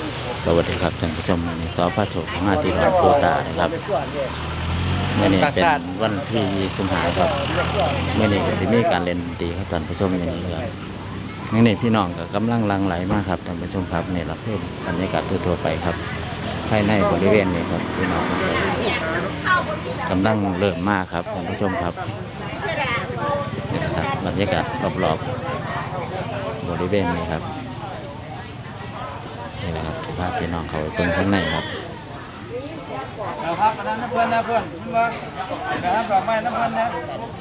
สวัสดีครับท่านผู้ชมวันนี้สพโชคมาที่วัดโพตานะครับเมื่อนี้เป็นวันที่25ครับเมื่อนี้ก็จะมีการเล่นดนตรีครับท่านผู้ชมอย่างนี้ครับนี่พี่น้องก็กำลังหลั่งไหลมากครับท่านผู้ชมครับนี่เราเพิ่มบรรยากาศทั่วไปครับภายในบริเวณนี้ครับพี่น้องกำลังเริ่มมากครับท่านผู้ชมครับนี่นะครับบรรยากาศรอบๆบริเวณนี้ครับนี่แหละครับภาพพี่น้องเขาตรงข้างในครับครับน้ำเพื่อนนะเพื่อนว่าน้ำดอกไม้น้ำเพื่อนนะ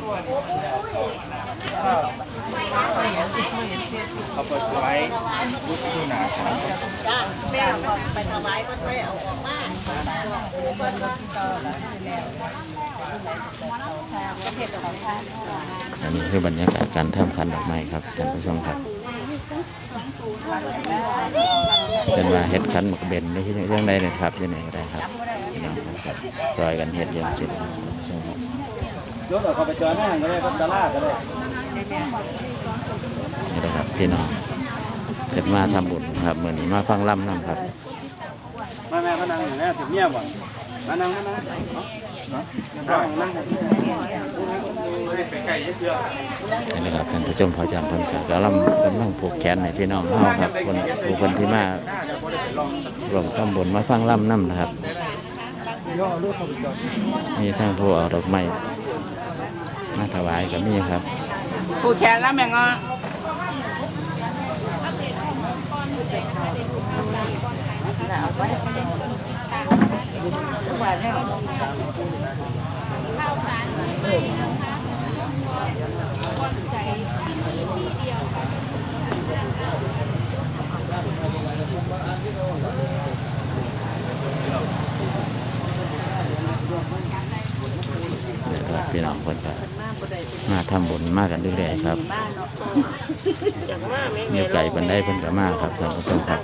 เขาเปิดไว้บุตรที่หนาครับจ้าแม่ก็ไปถวายก็ได้เอาออกมาอันนี้คือบรรยากาศการทำคันดอกไม้ครับท่านผู้ชมครับเป็นว่าเฮ็ดคันหมกเบนในที่เรื่องใดเนี่ยครับยังไงก็ได้ครับพี่น้องครับจอยกันเฮ็ดอย่างสิ้นรถเขาไปเจอหน้าก็ได้ก็ตลาดก็ได้นี่แหละครับพี่น้องเฮ็ดมาทำบุญครับเหมือนนี้มาฟังล่ำนั่งครับมาแม่พนังอย่างนี้ถึงเงียบว่ะมานั่งนั่งนี่นะครับท่านผู้ชมพอจำเพิ่นก็กำลังผูกแขนในพี่น้องเฮาครับคนที่มาร่วมทำบุญมาฟังล่ำน้ำนะครับมีทั้งผู้เอาดอกไม้มาถวายก็มีครับผู้แขนแล้วแม่งอ่ะพี่น้องคนก็มาทำบุญมากันเรื่อยๆครับมีไก่บันไดเพิ่นก็มาครับท่านผู้ชมครับ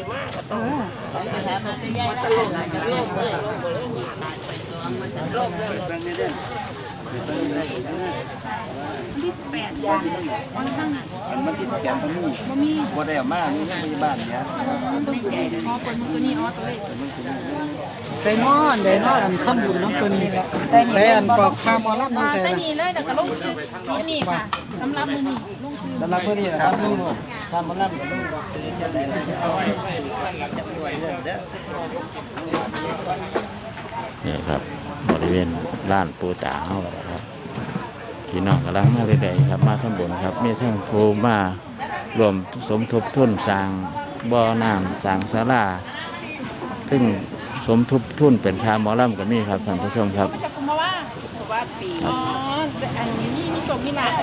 ที่18อย่างมันที่แกนตรงนี้บ่ได้มานี่ไม่บ้านเนี้ยไม่ใหญ่เลยพอคนตัวนี้อ๋อตัวเล็กใส่หม้อเดี๋ยวหม้ออันข้ามบุญน้ำเปิ้ลใส่อันปอกข้าวมอลับนี่ใส่นี่เลยแต่ก็ลงซื้อจุดนี้ค่ะสำหรับมือนี่ลงซื้อสำหรับเพื่อนนี่นะครับลุงทำมันนั่นกับลุงนี่ครับบริเวณร้านปูตาเฮาครับพี่น้องกำลังมาเรื่อยๆครับมาทำบุญครับมีทั้งผู้มารวมสมทบทุนสร้างบ่อน้ำสร้างศาลาซึ่งสมทบทุนเป็นค่าหมอลำก็มีครับท่านผู้ชมครับจะคุมมาว่าปีอ๋ออันนี้มีชมมีหลาน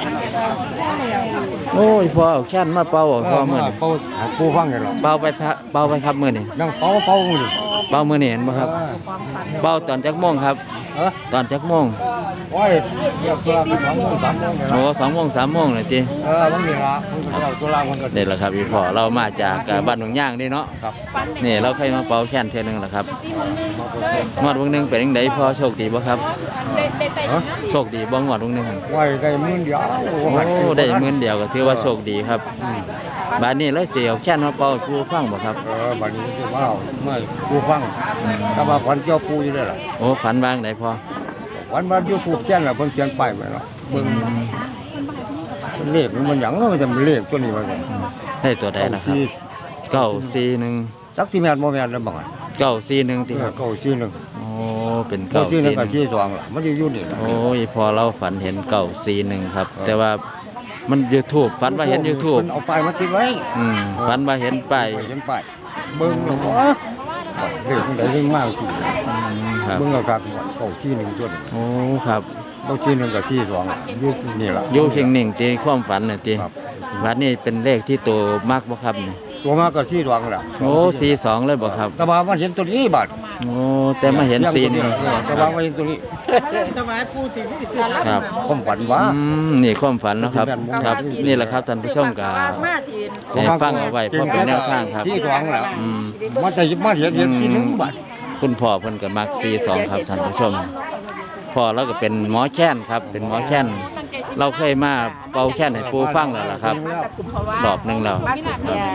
โอ้ยพอเอาแค่นมาเป่าพอมื้อนี้เป่าปูฟังกันหรอเป่าไปครับมื้อนี้ยังเป่ามือเป่ามื้อนี้เห็นบ่ครับเป่าตอนจักโมงครับตอนจักโมงโอ้ยเรียกตัว2 โมง 3 โมงโอ้2 โมง 3 โมงเลยติมันมีละมันก็ตัวลามันก็นี่แหละครับพี่พ่อเรามาจากบ้านหนองย่างนี่เนาะนี่เราเคยมาเป่าแค่นเทื่อนึงแหละครับงวดวงนึงเป็นจังได๋พ่อโชคดีบ่ครับโชคดีบ่งวดวงนึงไว้ได้มื้อเดียวโอ้ได้มื้อเดียวก็ถือว่าโชคดีครับบัดนี้เราสิเอาแค่นมาเป่าปูฟังบ่ครับบัดนี้สิว่าเมื่อปูฟังถ้าว่าฝันเจ้าปูอยู่ได้ล่ะโอ้ฝันวางได้พ่อวันมา YouTube แค่นล่ะเพิ่นเขียนป้ายไว้แล้วเบิ่งเลขมันหยังเนาะมันจะเลขตัวนี้ว่าซั่นได้ตัวใดล่ะครับ941 จักสิแม่นบ่แม่นแล้วบ่ 941ติครับ 941 โอ้เป็น941 ก็42ล่ะมันอยู่นี่ล่ะโอ้ยพอเราฝันเห็น941ครับแต่ว่ามัน YouTube ฝันว่าเห็น YouTube เพิ่นเอาป้ายมาติดไว้ฝันว่าเห็นป้ายเบิ่งแล้วเลขมันได้เรื่องมากจริงครับเบิ่งเอาครับ941ตัวนี้โอ้ครับ 941กับ42อยู่นี่ล่ะอยู่เพียงหนึ่งตีความฝันน่ะติบัดนี้เป็นเลขที่โตมากบ่ครับนี่ตัวมากก็42ล่ะโอ้42เลยบ่ครับแต่ว่ามันเห็นตัวนี้บาดโอ้แต่มาเห็น41 แต่ว่ามันเห็นตัวนี้ถวายปู่ที่สิครับความฝันว่านี่ความฝันเนาะครับครับนี่แหละครับท่านผู้ชมก็ให้ฟังเอาไว้เพราะเป็นแนวทางครับ 42ล่ะมันจะมาเห็นที่1บาทคุณพ่อเพิ่นก็มัก42ครับท่านผู้ชมพ่อเราก็เป็นหมอแค้นครับเป็นหมอแค้นเราเคยมาเป่าแค้นให้ปูฟังแล้วล่ะครับรอบนึงแล้ว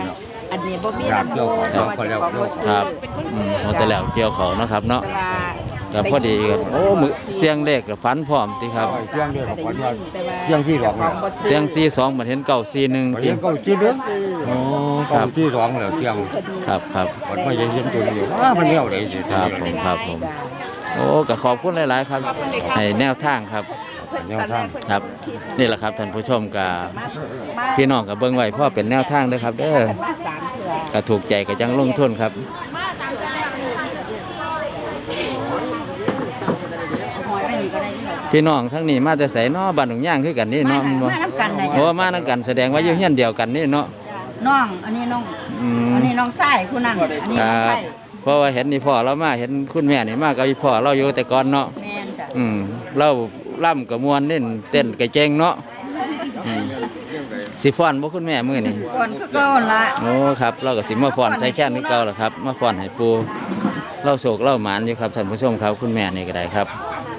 อันนี้บ่มีอยากเกี่ยวของเพราะว่าแล้วเจ้าของบ่ซื้อครับเป็นคนอืซื้มอโอ้แต่แล้วเกี่ยวเขาเนาะครับเนาะแต่ว่าก็พอดีกันโอ้มือเสียงเลขกับฝันพร้อมติครับเที่ยงเดียวกับได้วันยิว่านแต่ว่าเที่ยงที่สองแล้วเสียง42เหมือนเห็นเก่า41 วันตินี้ก็จีเด้อซื้อโอ้คเก้ารับที่สองแล้วเที่ยงครับครับวันไม่เห็นตัวเดียวมันเลี้ยวได้สิครับผมโอ้ก็ขอบคุณหลายๆครับให้แนวทางครับแนวทางครับนี่แหละครับท่านผู้ชมกับพี่น้องกับเบิ้งไว้พ่อเป็นแนวทางเด้อครับเด้อมาสามเทื่อก็ถูกใจก็จังลงทุนครับพี่น้องทั้งนี้มาแต่ไสเนาะบ้านหนองย่างคือกันนี่เนาะมาน้ำกันนะโอ้มานํกันแสดงว่าอยู่เฮียนเดียวกันนี่เนาะน้องอันนี้น้องอืมอันนี้น้องไส้ผู้นั้นอันนี้คน้องรับไส้เพราะว่าเห็นนี่พ่อเรามาเห็นคุณแม่นี่มากับอีพ่อเราอยู่แต่ก่อนเนาะแม่นจ้ะเราล่ำกับมวนนี่เต้นกระเจงเนาะอืมสิฟ้อนบ่คุณแม่มื้อนี้ก่อนคือก่อนละโอ้ครับเราก็สิมาฟ้อนใส่แค่นี้เก่าล่ะครับมาฟ้อนให้ปูเล่าโศกเล่าหมานอยู่ครับท่านผู้ชมครับคุณแม่นี่ก็ได้ครับ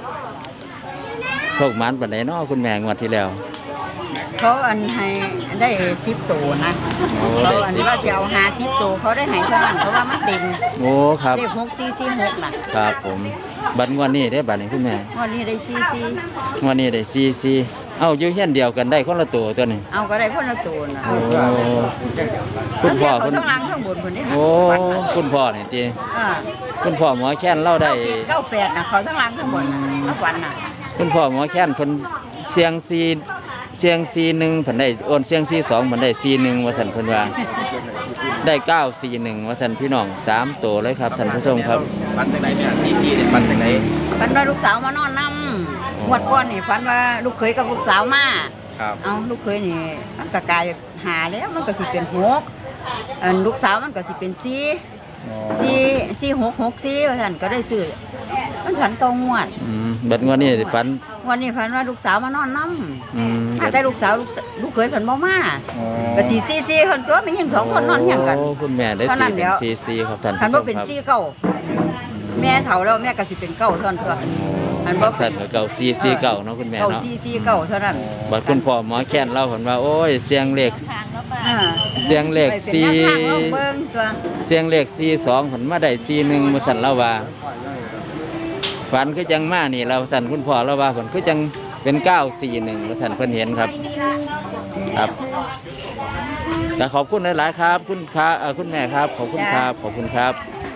โชคหมานปานใดเนาะคุณแม่งวดที่แล้วเขาอันให้ได้10ตัวนะโอ้เขาได้อันสิบว่าจะเอา50ตัวเขาได้ให้เท่านั้นเพราะว่ามันเต็มโอ้ครับเลข6446น่ะครับผมบัดงวดนี้ได้บัดนี้คุณแม่วันนี้ได้44 งวดนี้ได้44เอ้าอยู่เฮียนเดียวกันได้คนละตัวตัวนี้เอาก็ได้คนละตัวน่ะโอ้คุณพ่อเขาคุณทั้งล่างทั้งบนคนนี้นะโอ้คุณพ่อนี่ติอ่าคุณพ่อหมอแค้นเล่าได้ 98น่ะเขาทั้งล่างทั้งบนน่ะมาวันน่ะคุณพ่อหมอแค้นเพิ่นเสียง1เพิ่นได้โอนเสียง42เพิ่นได้41ว่าซั่นเพิ่นว่าได้941ว่าซั่นพี่น้อง3ตัวเลยครับท่านผู้ชมครับปันจากไหนเนี่ยซีเนี่ยปันจากไหนฝันว่าลูกสาวมานอนนำงวดก่อนนี่ฝันว่าลูกเขยกับลูกสาวมาครับเอาลูกเคยนี่มันก็กลายหาแล้วมันก็สิเป็นหกอันลูกสาวมันก็สิเป็นสี่หกว่าซั่นก็ได้ซื้อมันผันตองงวดบัดงวดนี้ฝันวันนี้ผันว่าลูกสาวมานอนนำแต่ลูกสาวลูกเคยผันบ่มาก็สิซี่คนตัวมีหยังสองคนนอนหยังกันโอ้คุณแม่ได้เท่านั้นตีเดี๋เป็นยว 44ครับท่านผันผู้ชบ่มเป็นครับซี่เก้าแม่เฒ่าแล้วแม่ก็สิเป็นเก้าเท่านั้นตัวผันบ่เป็ท่าน นก็เก่า44เก่าเนาะคุณแม่เก้าเนาะซี่เก้าเท่านั้นบัดคุณพ่อหมอแค้นเล่าเพิ่นว่าโอ้ยเสียงเลขอ่าเสียงเลขไปเป็นแนวทางลองเบิ่งตัวเสียงเลข42เพิ่นมาได้41ว่าซั่นเล่าว่าฝันคือจังมานี่เราสั่นคุณพ่อเราว่าเพิ่นคือจังเป็น941ว่าซั่นเพิ่นเห็นครับครับแต่ขอบคุณหลายๆครับคุณคุณแม่ครับขอบคุณครับขอบคุณครับ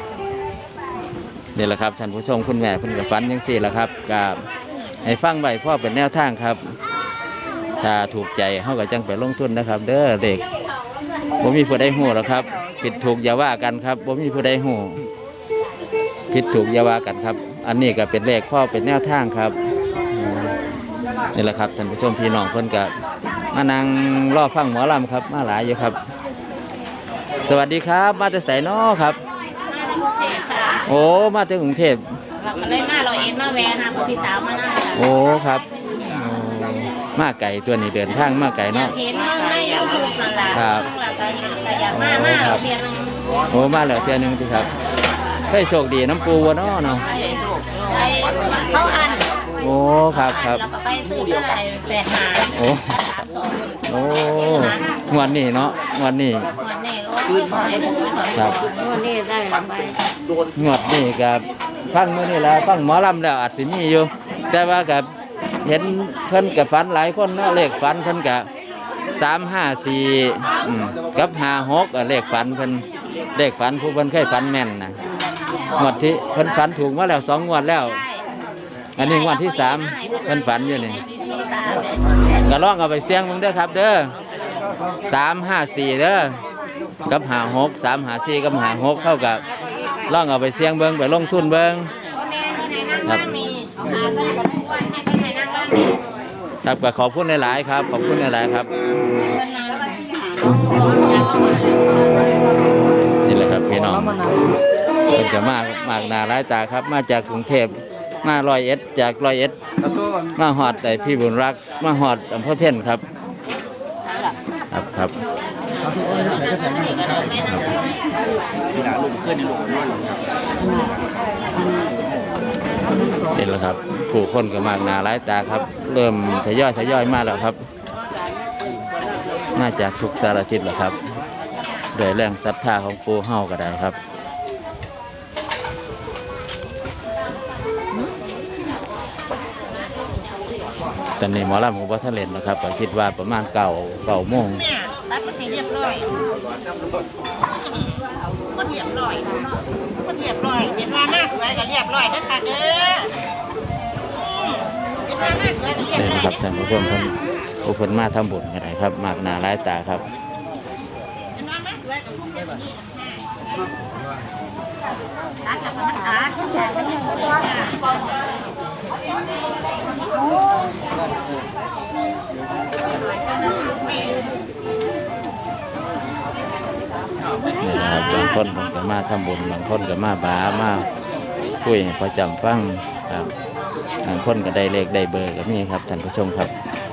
นี่แหละครับท่านผู้ชมคุณแม่เพิ่นก็ฝันจังซี่แหละครับก็ให้ฟังไว้พ่อเป็นแนวทางครับ ถ้าถูกใจเฮาก็จังไปลงทุนนะครับ เด้อเด็กบ่มีผู้ใดฮู้หรอกครับผิดถูกอย่าว่ากันครับบ่มีผู้ใดฮู้ผิดถูกอย่าว่ากันครับ อันนี้ก็เป็นเลขพ่อเป็นแนวทางครับนี่แหละครับท่านผู้ชมพี่น้องเพิ่นก็มานั่งรอฟังหมอลำครับมาหลายอยู่ครับ สวัสดีครับมาจากไสน้อครับโอ้มาจากกรุงเทพเราก็เลยมาเราเอ็นมาแวะหาพี่สาวมานั่งโอ้ครับโอ้มาไก่ตัวนี้เดินทางมาไก่เนาะเห็นน้องในยูทูบนั่นแหละครับแล้วก็อยากมาเรียนนึงโอ้มาแล้วเทื่อหนึงสิครับได้โชคดีน้ำปูวะเนาะเนาะเขาอันโอ้ครับครับแล้วก็ไปซื้อได้85 โอ้โอ้งวดนี้เนาะงวดนี้วันนี้ก็ให้ผมไปก่อนครับวันนี้ได้ไปงวดนี้กับฟังมื้อนี้แล้วฟังหมอลำแล้วอาจสิมีอยู่ แต่ว่ากับเห็นเพิ่นกับฝันหลายคนเนาะเลขฝันเพิ่นกับ354กับ56เลขฝันเพิ่นเลขฝันผู้เพิ่นเคยฝันแม่นนะงวดที่เพิ่นฝันถูกมาแล้ว2งวดแล้ว อันนี้งวดที่3เพิ่นฝันอยู่นี่ก็ลองเอาไปเสี่ยงมึงเด้อครับเด้อ354เด้อกับ56 354กับ56เท่ากับลองเอาไปเสี่ยงเบิ่งไปลงทุนเบิ่งครับครับก็ขอบคุณหลายๆครับขอบคุณหลายๆครับนี่แหละครับพี่น้องเพิ่นจะมากหน้าหลายตาครับมาจากกรุงเทพมา101จาก101มาฮอดแต่พี่บุญรักมาฮอดอำเภอเพ็ญครับครับนี่นะลูกขึ้นในลูกนอนนี่แหละครับผู้คนก็มากหนาหลายตาครับ เริ่มทยอยมาแล้วครับมาจากทุกสารทิศแล้วครับด้วยแรงศรัทธาของปู่เฮาก็ได้ครับตอนนี้หมอลำผมว่าท่านเล่นนะครับก็คิดว่าประมาณ9 โมงเนี่ยตัดมันให้เรียบร้อยมันเรียบร้อยมันเรียบร้อยเห็นว่ามากไว้ก็เรียบร้อยนะคะเด้อเห็นว่ามากไว้ก็เรียบนี่ร้อยนะครับท่านผู้ชมเพิ่นผู้เพิ่นมาทำบุญกันได้ครับมากหน้าหลายตาครับเห็นว่ามากไว้ก็พุ่งเดี๋ยวนี้ตัดกับมันตัดแต่ไม่ได้ผลนี่นะครับบางคนเพิ่นก็มาทำบุญบางคนก็มาบามาคุยให้พอจำฟังครับบางคนก็ได้เลขได้เบอร์ก็มีครับท่านผู้ชมครับ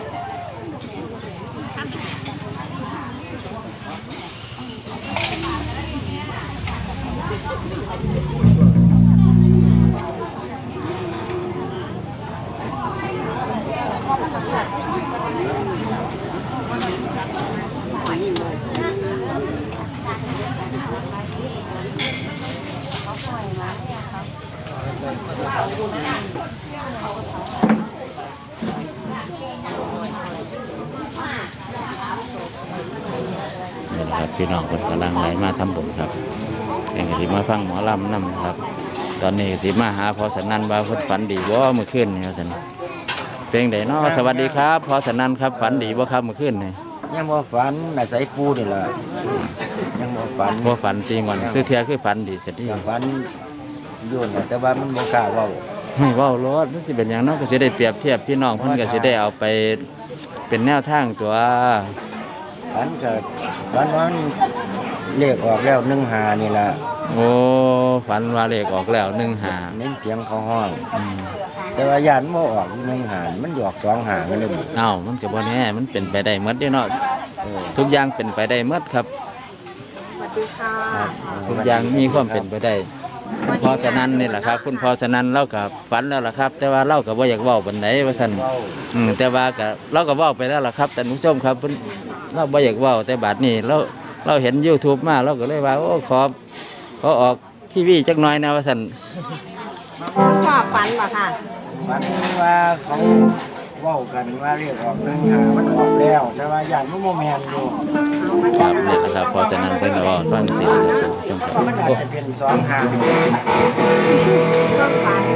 นี่นะครับพี่น้องคนกำลังไหลมาทำบุญครับเองก็สิมาฟังหมอลำนำครับ ตอนนี้สิมาหาพอสนันว่าเพิ่นฝันดีบ่เมื่อคืนนี่ครับท่านเพลงใดเนาะสวัสดีครับพอสนันครับฝันดีบ่ครับเมื่อคืนนี่ยังบ่ฝันน่ะใส่ปูนี่ล่ะยังบ่ฝันบ่ฝันจริงวันซื้อเทียคือฝันดีเสร็จดีฝันอยู่น่ะแต่ว่ามันบ่กล้าเว้าไม่เว้ารถมันสิเป็นหยังเนาะก็สิได้เปรียบเทียบพี่น้องเพิ่นก็สิได้เอาไปเป็นแนวทางตัวฝันก็ฝันว่ามันเลขออกแล้ว15นี่ล่ะโอ้ฝันว่าเลขออกแล้ว1-5 เน้นเสียงเขาห้องแต่ว่าย่านบ่ออก1-5มันหยอก2-5มันเลยบ่เอ้ามันก็บ่แน่มันเป็นไปได้หมดเด้เนาะเออทุกอย่างเป็นไปได้หมดครับสวัสดีค่ะครับทุกอย่างมีความเป็นไปได้คุณพ่อสนันนี่แหละครับคุณพ่อสนันเล่ากับฝันแล้วล่ะครับ แต่ว่าเล่ากับว่าอยากเว้าบันไดว่าซั่นเว้าแต่ว่าก็เราก็เว้าไปแล้วล่ะครับแต่ผู้ชมครับเพิ่นเราบ่อยากเว้าแต่บัดนี้เราเห็น YouTube มาเราก็เลยว่าโอ้ขอออกทีวีจักหน่อยนะว่าซั่นพ่อฝันเหรอค่ะฝันว่าเขาเว้ากันว่าเลขออก1-5มันออกแล้วแต่ว่าย่านมันบ่แม่นอยู่ครับนี่แหละครับพ่อสนันเพิ่นก็เว้าฟังสิครับท่านผู้ชมครับมันอาจโอ้จะเป็น2-5 ความฝัน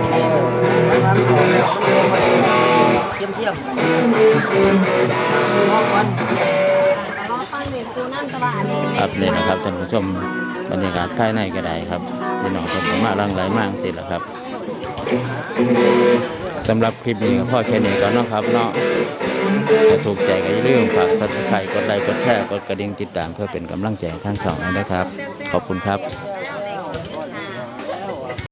เทียมรอบวันรอฟังเรียนครูนั่นตะวันครับนี่แหละครับท่านผู้ชมบรรยากาศภายในก็ได้ครับพี่น้องเพิ่นก็มาหลั่งไหลมาจังซี่แหละครับสำหรับคลิปนี้ก็พอแค่นี้ก่อนเนาะครับเนาะถ้าถูกใจก็อย่าลืมฝาก Subscribe กดไลค์กดแชร์กดกระดิ่งติดตามเพื่อเป็นกำลังใจให้ทั้งสองนะครับขอบคุณครับ